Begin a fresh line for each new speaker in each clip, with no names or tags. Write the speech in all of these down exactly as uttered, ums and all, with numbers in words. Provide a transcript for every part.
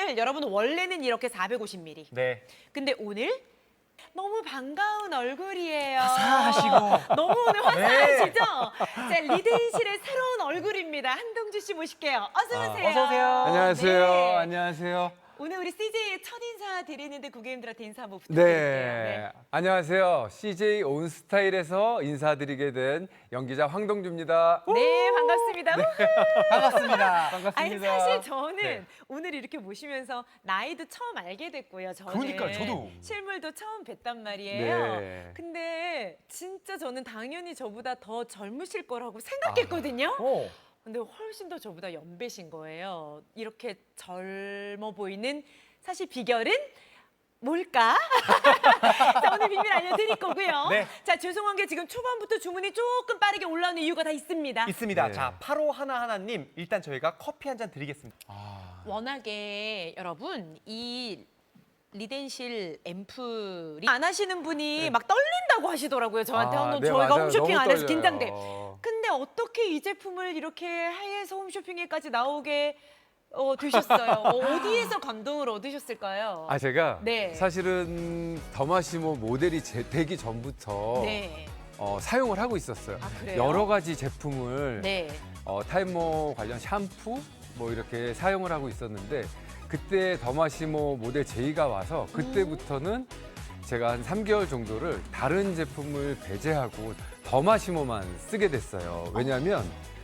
사실 여러분 원래는 이렇게 사백오십 밀리리터.
네.
근데 오늘 너무 반가운 얼굴이에요.
화사하시고.
너무 오늘 화사하시죠? 자, 리드인실의 새로운 얼굴입니다. 한동주 씨 모실게요. 어서 오세요.
어서 오세요.
안녕하세요.
네.
안녕하세요.
오늘 우리 씨제이의 첫 인사 드리는데 고객님들한테 인사 한번 부탁드릴게요.
네. 안녕하세요. 씨제이 온스타일에서 인사드리게 된 연기자 황동주입니다.
네, 반갑습니다.
반갑습니다.
반갑습니다.
아니 사실 저는
네.
오늘 이렇게 모시면서 나이도 처음 알게 됐고요. 저는
그러니까요, 저도.
실물도 처음 뵀단 말이에요.
네.
근데 진짜 저는 당연히 저보다 더 젊으실 거라고 생각했거든요.
오.
근데 훨씬 더 저보다 연배신 거예요. 이렇게 젊어 보이는 사실 비결은 뭘까? 자, 오늘 비밀 알려드릴 거고요.
네.
자, 죄송한 게 지금 초반부터 주문이 조금 빠르게 올라오는 이유가 다 있습니다.
있습니다.
네.
자, 팔오 하나하나님 일단 저희가 커피 한 잔 드리겠습니다.
아,
워낙에 여러분 이 리덴실 앰플이 안 하시는 분이 막 떨린다고 하시더라고요. 저한테
아,
한번
네,
저희가
맞아요.
홈쇼핑
너무
안 해서
떨려요.
긴장돼. 근데 어떻게 이 제품을 이렇게 해외에서 홈쇼핑에까지 나오게 어, 되셨어요? 어, 어디에서 감동을 얻으셨을까요?
아 제가
네.
사실은 더마시모 모델이 제- 되기 전부터
네.
어, 사용을 하고 있었어요.
아, 그래요?
여러 가지 제품을
네.
어, 탈모 관련 샴푸 뭐 이렇게 사용을 하고 있었는데 그때 더마시모 모델 제이가 와서 그때부터는 제가 한 삼 개월 정도를 다른 제품을 배제하고 더마시모만 쓰게 됐어요. 왜냐하면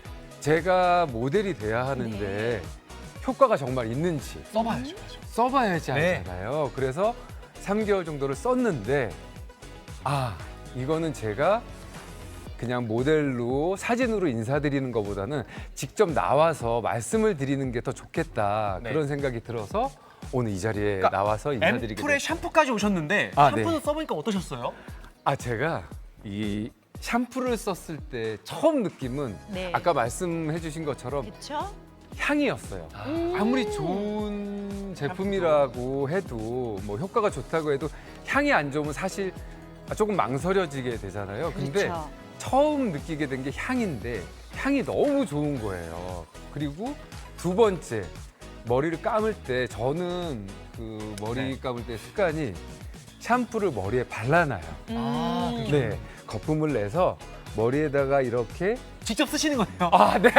제가 모델이 돼야 하는데
네.
효과가 정말 있는지
써봐야죠.
써봐야지
네.
알잖아요. 그래서 삼 개월 정도를 썼는데 아 이거는 제가 그냥 모델로 사진으로 인사드리는 것보다는 직접 나와서 말씀을 드리는 게 더 좋겠다
네.
그런 생각이 들어서 오늘 이 자리에
그러니까
나와서 인사드리게
앰플에
됐어요.
샴푸까지 오셨는데
아,
샴푸도
네.
써보니까 어떠셨어요?
아 제가 이 샴푸를 썼을 때 처음 느낌은
네.
아까 말씀해 주신 것처럼
그렇죠?
향이었어요. 아무리 좋은 제품이라고 해도 뭐 효과가 좋다고 해도 향이 안 좋으면 사실 조금 망설여지게 되잖아요. 근데
그렇죠.
처음 느끼게 된 게 향인데 향이 너무 좋은 거예요. 그리고 두 번째 머리를 감을 때 저는 그 머리
네.
감을 때 습관이 샴푸를 머리에 발라놔요.
아,
음.
네, 거품을 내서 머리에다가 이렇게
직접 쓰시는 거네요.
아, 네.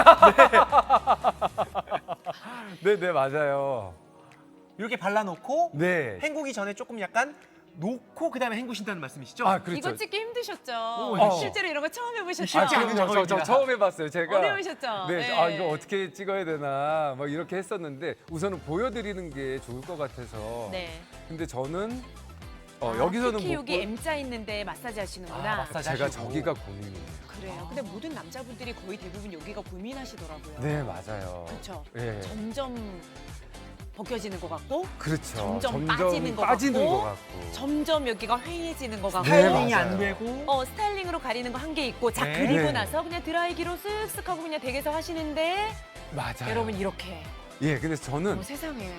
네, 네, 맞아요.
이렇게 발라놓고
네.
헹구기 전에 조금 약간 놓고 그다음에 헹구신다는 말씀이시죠?
아, 그렇죠.
이거 찍기 힘드셨죠?
어.
실제로 이런 거 처음 해보셨죠?
쉽지
아,
않은
그럼요. 저, 저
작업입니다.
처음 해봤어요. 제가.
어려우셨죠?
네,
네.
아 이거 어떻게 찍어야 되나 막 이렇게 했었는데 우선은 보여드리는 게 좋을 것 같아서.
네.
근데 저는 어,
아,
여기서는
특히
못
여기
보-
M자 있는데 마사지 하시는구나.
아, 마사지.
제가
하시고.
저기가 고민이에요.
그래요. 근데 모든 남자분들이 거의 대부분 여기가 고민하시더라고요.
네, 맞아요.
그렇죠.
예.
점점 벗겨지는 것 같고,
그렇죠.
점점 빠지는 것
빠지는
같고,
것 같고.
점점 여기가 휑해지는 것 같고,
네,
스타일링이
맞아요.
안 되고
어 스타일링으로 가리는 거 한 개 있고, 자
네.
그리고
네.
나서 그냥 드라이기로 쓱쓱 하고 그냥 댁에서 하시는데
맞아요.
여러분 이렇게
예, 근데 저는
어, 세상에.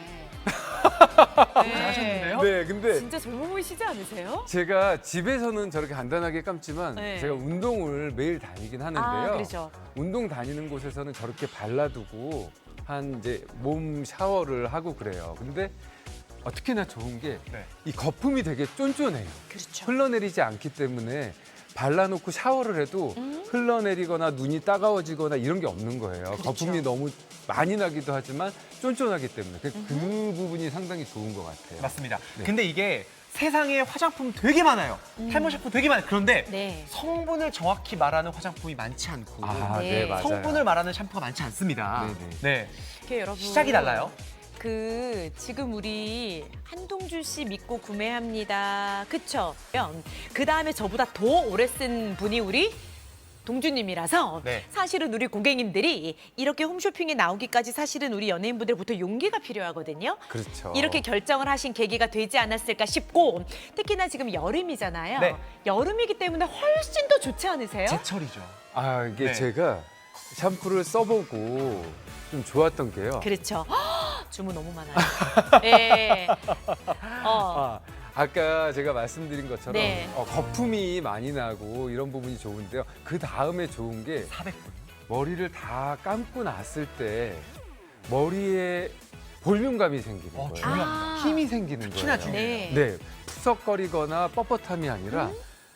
잘하셨는데요?
네, 근데
진짜 젊어 보이시지 않으세요?
제가 집에서는 저렇게 간단하게 감지만
네.
제가 운동을 매일 다니긴 하는데요.
아 그렇죠.
운동 다니는 곳에서는 저렇게 발라두고 한 이제 몸 샤워를 하고 그래요. 근데 어, 특히나 좋은 게 이
네.
거품이 되게 쫀쫀해요.
그렇죠.
흘러내리지 않기 때문에 발라놓고 샤워를 해도
음.
흘러내리거나 눈이 따가워지거나 이런 게 없는 거예요.
그렇죠.
거품이 너무 많이 나기도 하지만 쫀쫀하기 때문에 그, 그 부분이 상당히 좋은 것 같아요.
맞습니다.
네.
근데 이게 세상에 화장품 되게 많아요. 탈모 샴푸 되게 많아요. 그런데
네.
성분을 정확히 말하는 화장품이 많지 않고
아,
네.
네, 맞아요.
성분을 말하는 샴푸가 많지 않습니다.
네네.
네.
이렇게 여러분
시작이 달라요.
그 지금 우리 한동주 씨 믿고 구매합니다. 그쵸? 그 다음에 저보다 더 오래 쓴 분이 우리 동주님이라서
네.
사실은 우리 고객님들이 이렇게 홈쇼핑에 나오기까지 사실은 우리 연예인분들부터 용기가 필요하거든요.
그렇죠.
이렇게 결정을 하신 계기가 되지 않았을까 싶고 특히나 지금 여름이잖아요.
네.
여름이기 때문에 훨씬 더 좋지 않으세요?
제철이죠.
아 이게
네.
제가 샴푸를 써보고 좀 좋았던 게요.
그렇죠. 주문 너무 많아요. 네. 어.
아, 아까 제가 말씀드린 것처럼
네.
어, 거품이 많이 나고 이런 부분이 좋은데요. 그 다음에 좋은 게
사백 분.
머리를 다 감고 났을 때 머리에 볼륨감이 생기는
어,
거예요.
중요합니다.
아.
힘이 생기는
특히나
거예요.
중요해요.
네.
네, 푸석거리거나 뻣뻣함이 아니라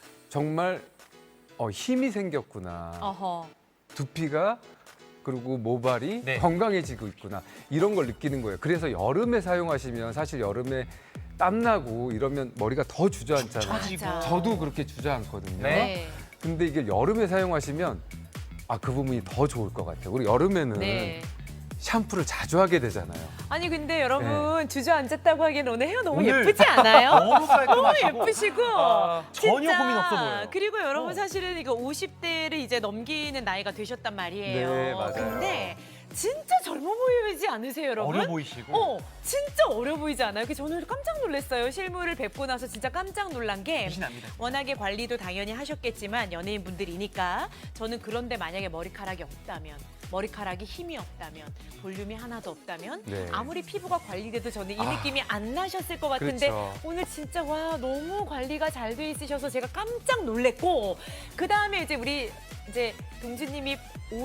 정말 어, 힘이 생겼구나.
어허.
두피가 그리고 모발이
네.
건강해지고 있구나. 이런 걸 느끼는 거예요. 그래서 여름에 사용하시면 사실 여름에 땀나고 이러면 머리가 더 주저앉잖아요.
처지고.
맞아.
저도 그렇게 주저앉거든요.
네.
근데 이게 여름에 사용하시면 아, 그 부분이 더 좋을 것 같아요. 우리 여름에는
네.
샴푸를 자주 하게 되잖아요.
아니 근데 여러분 주저앉았다고 하기엔 오늘 헤어 너무
오늘
예쁘지 않아요?
너무 깔끔하시고
너무 예쁘시고
아, 전혀
진짜.
고민 없어 보여요.
그리고 여러분
어.
사실은 이거 오십 대를 이제 넘기는 나이가 되셨단 말이에요.
네, 맞아요.
근데 진짜 젊어 보이지 않으세요, 여러분?
어려 보이시고.
어, 진짜 어려 보이지 않아요? 그래서 저는 깜짝 놀랐어요. 실물을 뵙고 나서 진짜 깜짝 놀란 게
미신합니다.
워낙에 관리도 당연히 하셨겠지만 연예인분들이니까 저는 그런데 만약에 머리카락이 없다면 머리카락이 힘이 없다면 볼륨이 하나도 없다면
네.
아무리 피부가 관리돼도 저는 이
아.
느낌이 안 나셨을 것 같은데
그렇죠.
오늘 진짜 와 너무 관리가 잘 돼 있으셔서 제가 깜짝 놀랬고 그 다음에 이제 우리 이제 동주님이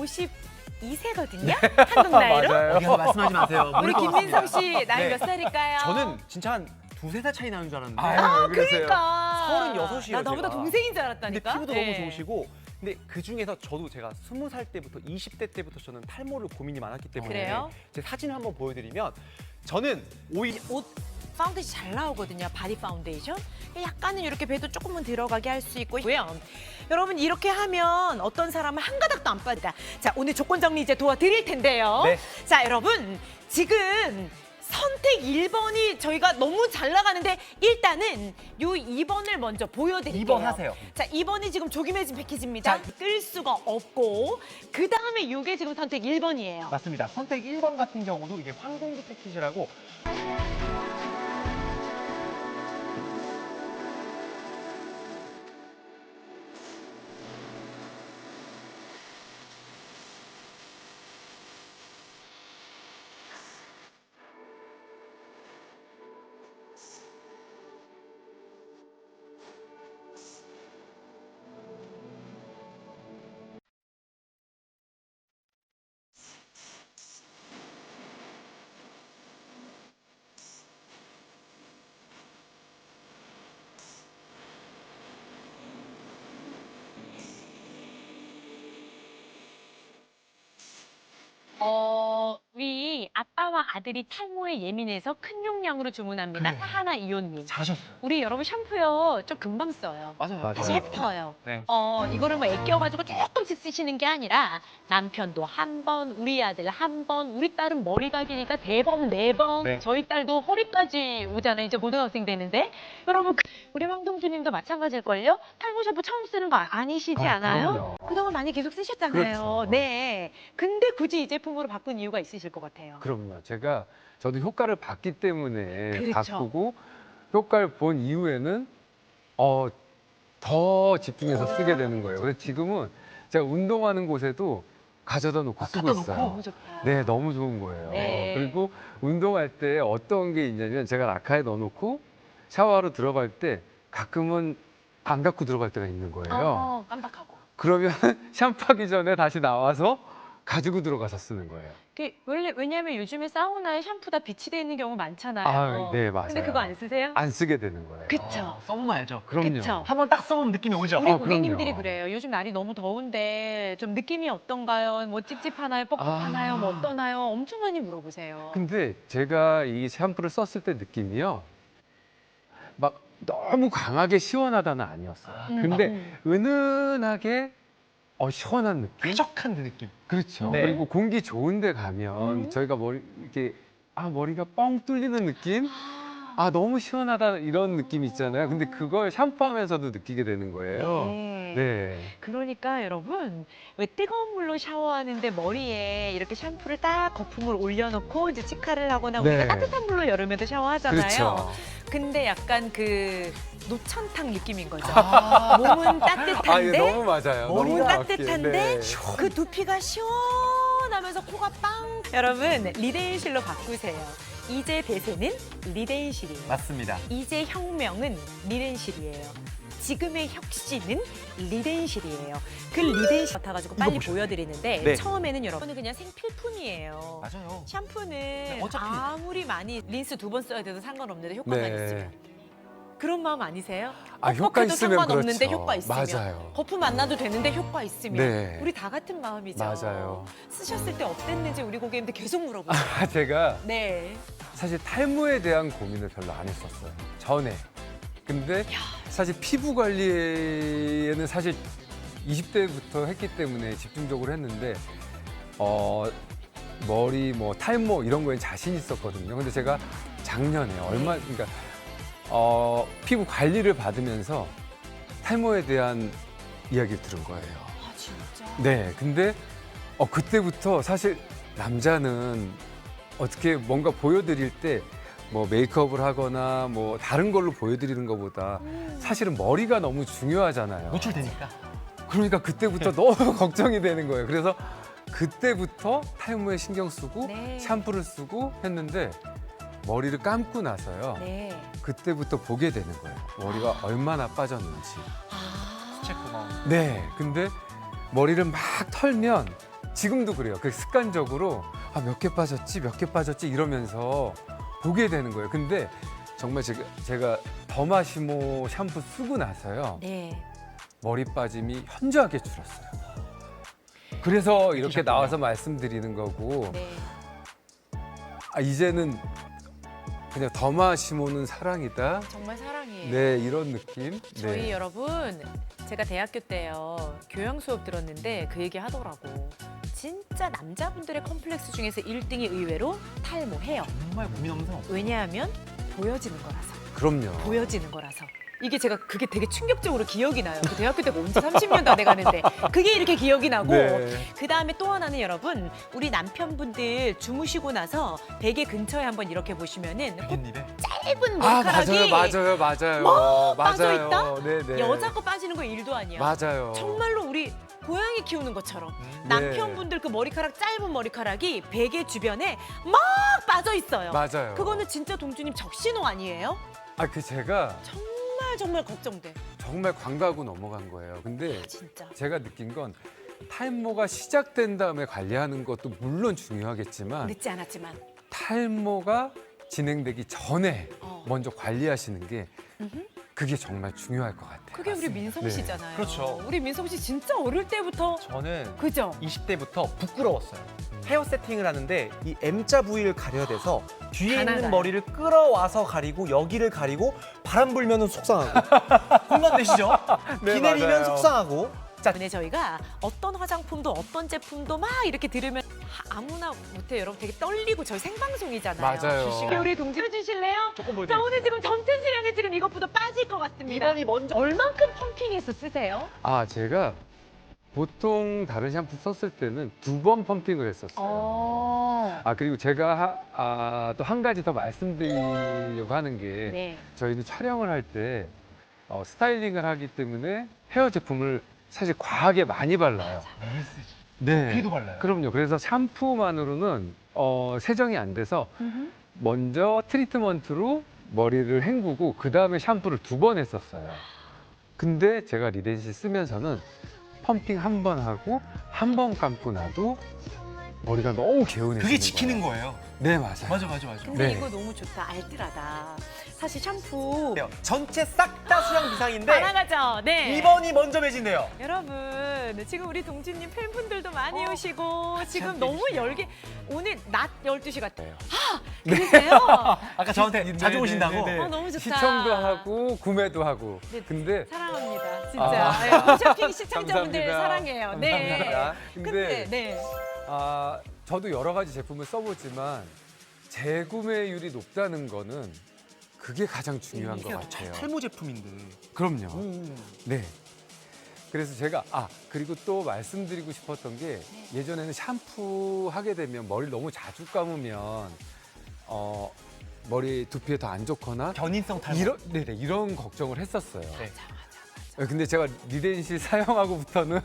오십이 세거든요 한국 나이로
맞아요.
어디 가서 말씀하지 마세요.
우리
모를 것
김민성
같습니다.
씨 나이
네.
몇 살일까요?
저는 진짜 한 두세 살 차이 나는 줄 알았는데.
아유, 왜 그러세요?
그러니까
서른여섯이에요,
나 나보다
제가.
동생인 줄
근데
알았다니까.
피부도
네.
너무 좋으시고 근데 그 중에서 저도 제가 스무 살 때부터 이십 대 때부터 저는 탈모를 고민이 많았기 때문에
그래요?
제 사진을 한번 보여드리면 저는 오히려
옷 파운데이션 잘 나오거든요. 바디 파운데이션. 약간은 이렇게 배도 조금은 들어가게 할 수 있고요. 여러분 이렇게 하면 어떤 사람은 한 가닥도 안 빠진다. 자 오늘 조건 정리 이제 도와드릴 텐데요.
네.
자 여러분 지금 선택 일 번이 저희가 너무 잘 나가는데 일단은 요 이 번을 먼저 보여드릴게요.
이 번 하세요.
자 이 번이 지금 조기 매직 패키지입니다.
자,
끌 수가 없고 그 다음에 이게 지금 선택 일 번이에요.
맞습니다. 선택 일 번 같은 경우도 이게 황공기 패키지라고
어, 우리 아빠와 아들이 탈모에 예민해서 큰 용량으로 주문합니다.
그래.
하나 이온님.
잘하셨어요.
우리 여러분 샴푸요 좀 금방 써요.
맞아요.
맞아요.
예뻐요.
네.
어, 이거를 뭐 아껴가지고 조금씩 쓰시는 게 아니라 남편도 한 번, 우리 아들 한 번, 우리 딸은 머리가 기니까 세 번, 네 번,
네.
저희 딸도 허리까지 오잖아요. 이제 고등학생 되는데. 여러분, 그- 우리 황동주님도 마찬가지일걸요? 탈모 샴푸 처음 쓰는 거 아니시지
아,
않아요?
그럼요.
그동안 많이 계속 쓰셨잖아요.
그렇죠.
네. 근데 굳이 이 제품으로 바꾼 이유가 있으실 것 같아요.
그럼요. 제가 저도 효과를 봤기 때문에
그렇죠.
바꾸고 효과를 본 이후에는 어, 더 집중해서 쓰게 되는 거예요. 그래서 지금은 제가 운동하는 곳에도 가져다 놓고 쓰고
갖다
있어요.
놓고?
너무 좋다.
네, 너무 좋은 거예요.
네.
그리고 운동할 때 어떤 게 있냐면 제가 라카에 넣어놓고 샤워하러 들어갈 때 가끔은 안 갖고 들어갈 때가 있는 거예요.
어, 깜빡하고.
그러면 샴푸하기 전에 다시 나와서 가지고 들어가서 쓰는 거예요.
그 원래 왜냐면 요즘에 사우나에 샴푸 다 비치돼 있는 경우 많잖아요.
아, 네, 맞아요.
근데 그거 안 쓰세요?
안 쓰게 되는 거예요.
그쵸.
써보면 알죠.
그럼요.
그쵸.
한번 딱 써보면 느낌이 오죠.
우리
어,
고객님들이
그럼요.
그래요. 요즘 날이 너무 더운데 좀 느낌이 어떤가요? 뭐 찝찝하나요? 뻑뻑하나요?
아.
뭐 어떠나요? 엄청 많이 물어보세요.
근데 제가 이 샴푸를 썼을 때 느낌이요. 막 너무 강하게 시원하다는 아니었어요.
음,
근데
음.
은은하게 어, 시원한 느낌?
쾌적한 그 느낌.
그렇죠.
네.
그리고 공기 좋은 데 가면
음.
저희가 머리 이렇게 아, 머리가 뻥 뚫리는 느낌?
아,
아, 너무 시원하다 이런 느낌 있잖아요. 근데 그걸 샴푸하면서도 느끼게 되는 거예요.
네.
네.
그러니까 여러분 왜 뜨거운 물로 샤워하는데 머리에 이렇게 샴푸를 딱 거품을 올려놓고 이제 치카를 하거나
네.
우리가 따뜻한 물로 여름에도 샤워하잖아요.
그렇죠.
근데 약간 그 노천탕 느낌인 거죠.
아,
몸은
아, 이거
따뜻한데
너무 맞아요.
몸은
너무
따뜻한데
정확해. 네.
그 두피가 시원하면서 코가 빵. 여러분 리데인실로 바꾸세요. 이제 대세는 리데인실이에요.
맞습니다.
이제 혁명은 리덴실이에요. 지금의 혁신은 리덴실이에요. 그 리덴실 같아가지고 빨리
보셔요.
보여드리는데
네.
처음에는 여러분은 그냥 생필품이에요.
맞아요.
샴푸는
어차피.
아무리 많이 린스 두 번 써야 돼도 상관없는데 효과만
네.
있으면. 그런 마음 아니세요?
아, 효과
뻑뻑해도
있으면
상관없는데
그렇죠.
효과 있으면.
맞아요.
거품 안 나도 되는데 효과 있으면.
네.
우리 다 같은 마음이죠.
맞아요.
쓰셨을 때 어땠는지 우리 고객님들 계속 물어보세요.
아, 제가
네.
사실 탈모에 대한 고민을 별로 안 했었어요. 전에. 근데 사실 피부 관리에는 사실 이십 대부터 했기 때문에 집중적으로 했는데 어 머리 뭐 탈모 이런 거에 자신 있었거든요. 근데 제가 작년에 얼마 그러니까 어 피부 관리를 받으면서 탈모에 대한 이야기를 들은 거예요.
아 진짜?
네. 근데 어 그때부터 사실 남자는 어떻게 뭔가 보여드릴 때 뭐 메이크업을 하거나 뭐 다른 걸로 보여드리는 것보다 사실은 머리가 너무 중요하잖아요.
노출되니까.
그러니까 그때부터 너무 걱정이 되는 거예요. 그래서 그때부터 탈모에 신경 쓰고
네.
샴푸를 쓰고 했는데 머리를 감고 나서요.
네.
그때부터 보게 되는 거예요. 머리가 얼마나 빠졌는지.
아.
수채 구멍.
네. 근데 머리를 막 털면 지금도 그래요. 그 습관적으로 아, 몇 개 빠졌지, 몇 개 빠졌지 이러면서 보게 되는 거예요. 근데 정말 제가, 제가 더마시모 샴푸 쓰고 나서요.
네.
머리 빠짐이 현저하게 줄었어요. 그래서 이렇게
느끼셨군요.
나와서 말씀드리는 거고
네.
아, 이제는 그냥 더마시모는 사랑이다.
정말 사랑이에요.
네, 이런 느낌.
저희
네.
여러분 제가 대학교 때요 교양 수업 들었는데 그 얘기 하더라고. 진짜 남자분들의 컴플렉스 중에서 일 등이 의외로 탈모, 헤어.
정말 고민 없는 사람 없어요.
왜냐하면 보여지는 거라서.
그럼요.
보여지는 거라서. 이게 제가 그게 되게 충격적으로 기억이 나요. 그 대학교 때가 언제 삼십 년도 안 돼가는데 그게 이렇게 기억이 나고
네.
그 다음에 또 하나는 여러분 우리 남편분들 주무시고 나서 베개 근처에 한번 이렇게 보시면은 그
깻잎에.
짧은
아,
머리카락이
맞아요, 맞아요, 맞아요.
뭐
맞아요.
빠져있다?
네, 네.
여자 거 빠지는 거 일도 아니야.
맞아요.
정말로 우리 고양이 키우는 것처럼
음.
남편분들 그 머리카락 짧은 머리카락이 베개 주변에 막 빠져 있어요.
맞아요.
그거는 진짜 동주님 적신호 아니에요?
아, 그 제가
정말 정말 걱정돼.
정말 광고하고 넘어간 거예요. 근데
아, 진짜.
제가 느낀 건 탈모가 시작된 다음에 관리하는 것도 물론 중요하겠지만
늦지 않았지만.
탈모가 진행되기 전에
어.
먼저 관리하시는 게
음흠.
그게 정말 중요할 것 같아요.
그게 우리 민성
네.
씨잖아요.
그렇죠.
우리 민성 씨 진짜 어릴 때부터
저는
그죠?
이십 대부터 부끄러웠어요. 헤어 세팅을 하는데 이 M자 부위를 가려야 돼서 뒤에
다
있는
나가요.
머리를 끌어와서 가리고 여기를 가리고 바람 불면 속상하고 공감되시죠?
네,
비 내리면
맞아요.
속상하고 자,
근데 저희가 어떤 화장품도 어떤 제품도 막 이렇게 들으면 하- 아무나 못해요. 여러분 되게 떨리고 저희 생방송이잖아요.
맞아요.
우리 동지해 주실래요?
조금
자
보여드릴게요.
오늘 지금 전체 수량이 지금 이것보다 빠질 것 같습니다.
이번이 먼저
얼만큼 펌핑해서 쓰세요?
아, 제가 보통 다른 샴푸 썼을 때는 두 번 펌핑을 했었어요.
어.
아, 그리고 제가 아, 또 한 가지 더 말씀드리려고 하는 게
네.
저희는 촬영을 할 때 어, 스타일링을 하기 때문에 헤어 제품을 사실 과하게 많이 발라요. 네.
피도 발라요.
그럼요. 그래서 샴푸만으로는 어, 세정이 안 돼서 먼저 트리트먼트로 머리를 헹구고 그 다음에 샴푸를 두 번 했었어요. 근데 제가 리덴실 쓰면서는 펌핑 한 번 하고 한 번 감고 나도 머리가 너무 개운해지는
그게 지키는
거예요.
거예요.
네, 맞아요.
맞아, 맞아, 맞아.
근데
네.
이거 너무 좋다. 알뜰하다. 사실 샴푸
전체 싹 다 수량 비상인데
다 나가죠. 네.
이번이 먼저 매진돼요.
여러분 지금 우리 동진님 팬분들도 많이
어,
오시고 지금
함께
너무
해주시네요.
열기 오늘 낮 열두 시 같아요.
네.
아 그러세요?
아까 저한테 자주 오신다고.
네, 네.
어, 너무 좋다.
시청도 하고 구매도 하고.
네.
근데
사랑합니다. 진짜.
아.
네, 홈쇼핑 시청자분들
감사합니다.
사랑해요. 네.
감사합니다.
근데
근데
네.
아, 저도 여러 가지 제품을 써보지만 재구매율이 높다는 거는 그게 가장 중요한 것 같아요.
탈모 제품인데.
그럼요.
음.
네. 그래서 제가 아 그리고 또 말씀드리고 싶었던 게 예전에는 샴푸 하게 되면 머리를 너무 자주 감으면 어 머리 두피에 더 안 좋거나
견인성 탈모.
이런 네네 이런 걱정을 했었어요.
네.
근데 제가 리덴실 사용하고부터는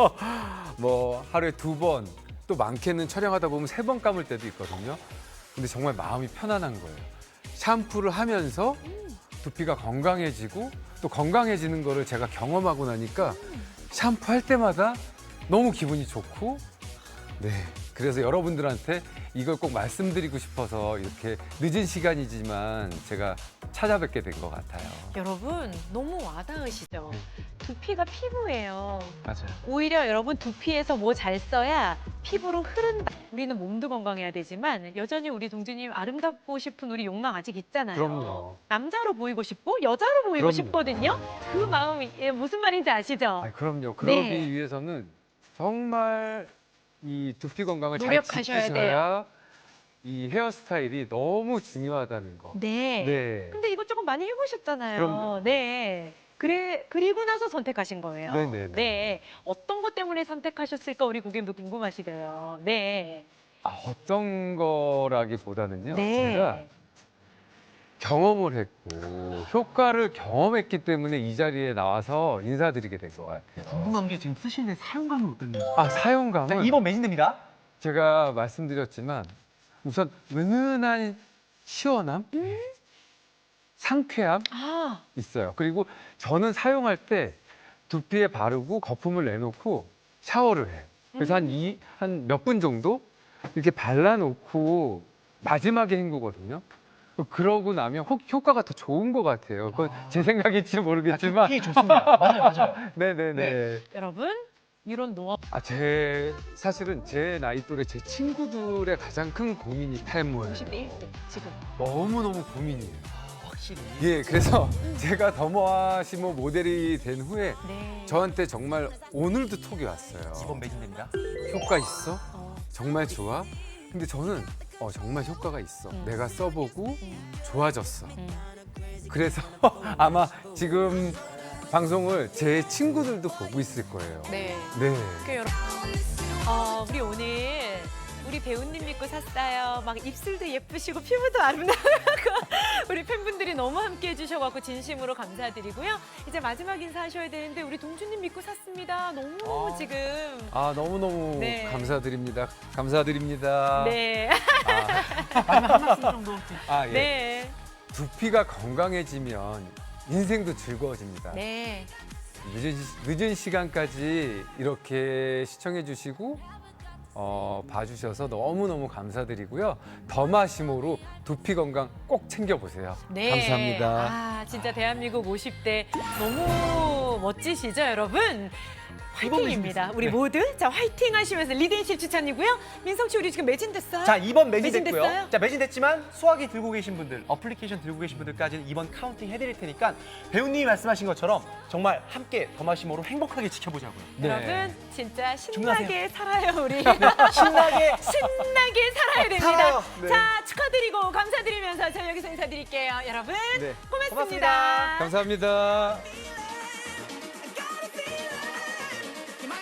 뭐 하루에 두 번, 또 많게는 촬영하다 보면 세 번 감을 때도 있거든요. 근데 정말 마음이 편안한 거예요. 샴푸를 하면서 두피가 건강해지고 또 또 건강해지는 거를 제가 경험하고 나니까 샴푸할 때마다 너무 기분이 좋고 네. 그래서 여러분들한테 이걸 꼭 말씀드리고 싶어서 이렇게 늦은 시간이지만 제가 찾아뵙게 된 것 같아요.
여러분 너무 와닿으시죠?
네.
두피가 피부예요.
맞아요.
오히려 여러분 두피에서 뭐 잘 써야 피부로 흐른다. 우리는 몸도 건강해야 되지만 여전히 우리 동주님 아름답고 싶은 우리 욕망 아직 있잖아요.
그럼요.
남자로 보이고 싶고 여자로 보이고
그럼요.
싶거든요. 그 마음이 예, 무슨 말인지 아시죠?
아, 그럼요. 그러기
네.
위해서는 정말 이 두피 건강을
노력하셔야
잘 지키셔야 이 헤어스타일이 너무 중요하다는 거.
네.
네.
근데 이거 조금 많이 해보셨잖아요.
그럼요.
네. 그래 그리고 나서 선택하신 거예요.
네네네.
네. 어떤 것 때문에 선택하셨을까 우리 고객님도 궁금하시대요. 네.
아, 어떤 거라기보다는요.
네.
제가 경험을 했고 효과를 경험했기 때문에 이 자리에 나와서 인사드리게 된 것 같아요.
궁금한 게 지금 쓰시는 사용감은 어떤지.
아, 사용감은
자, 이번 매진됩니다.
제가 말씀드렸지만 우선 은은한 시원함, 상쾌함
아,
있어요. 그리고 저는 사용할 때 두피에 바르고 거품을 내놓고 샤워를 해요. 그래서 한 이, 한 몇 분 정도 이렇게 발라놓고 마지막에 헹구거든요. 그러고 나면 혹 효과가 더 좋은 것 같아요. 그건 제 생각일지 모르겠지만.
두피 좋습니다. 맞아요, 맞아요.
네네네.
네.
여러분 이런 노하우
아, 제 사실은 제 나이 또래 제 친구들의 가장 큰 고민이 탈모예요.
오십 대 일 등 지금.
너무 너무 고민이에요.
확실히.
예, 그래서 제가 더모아시모 모델이 된 후에
네.
저한테 정말 오늘도 톡이 왔어요.
이번 매진됩니다.
효과 있어?
어,
정말 좋아? 근데 저는 어, 정말 효과가 있어.
음.
내가 써보고
음,
좋아졌어.
음.
그래서 아마 지금 방송을 제 친구들도 보고 있을 거예요.
네.
네.
그 여러분, 어, 우리 오늘 우리 배우님 믿고 샀어요. 막 입술도 예쁘시고 피부도 아름다우고 우리 팬분들이 너무 함께 해주셔갖고 진심으로 감사드리고요. 이제 마지막 인사하셔야 되는데 우리 동주님 믿고 샀습니다. 너무
아.
지금
아, 너무너무
네.
감사드립니다. 감사드립니다.
네,
마지막 한 말씀 정도.
아, 예.
네,
두피가 건강해지면 인생도 즐거워집니다.
네.
늦은, 시- 늦은 시간까지 이렇게 시청해주시고 어, 봐주셔서 너무너무 감사드리고요. 더마시모로 두피 건강 꼭 챙겨보세요.
네.
감사합니다.
아, 진짜 대한민국 오십 대 너무 멋지시죠, 여러분? 화이팅입니다. 우리
네.
모두 자 화이팅 하시면서 리드앤실 추천이고요. 민성 씨 우리 지금 매진됐어요?
자, 이번 매진됐고요.
매진됐어요?
자, 매진됐지만 수화기 들고 계신 분들, 어플리케이션 들고 계신 분들까지는 이번 카운팅 해드릴 테니까 배우님이 말씀하신 것처럼 정말 함께 더마시모로 행복하게 지켜보자고요.
네.
여러분 진짜 신나게 살아요 우리.
신나게
신나게 살아야 됩니다.
살아요. 네.
자 축하드리고 감사드리면서 저희 여기서 인사드릴게요. 여러분
네.
고맙습니다.
고맙습니다.
감사합니다.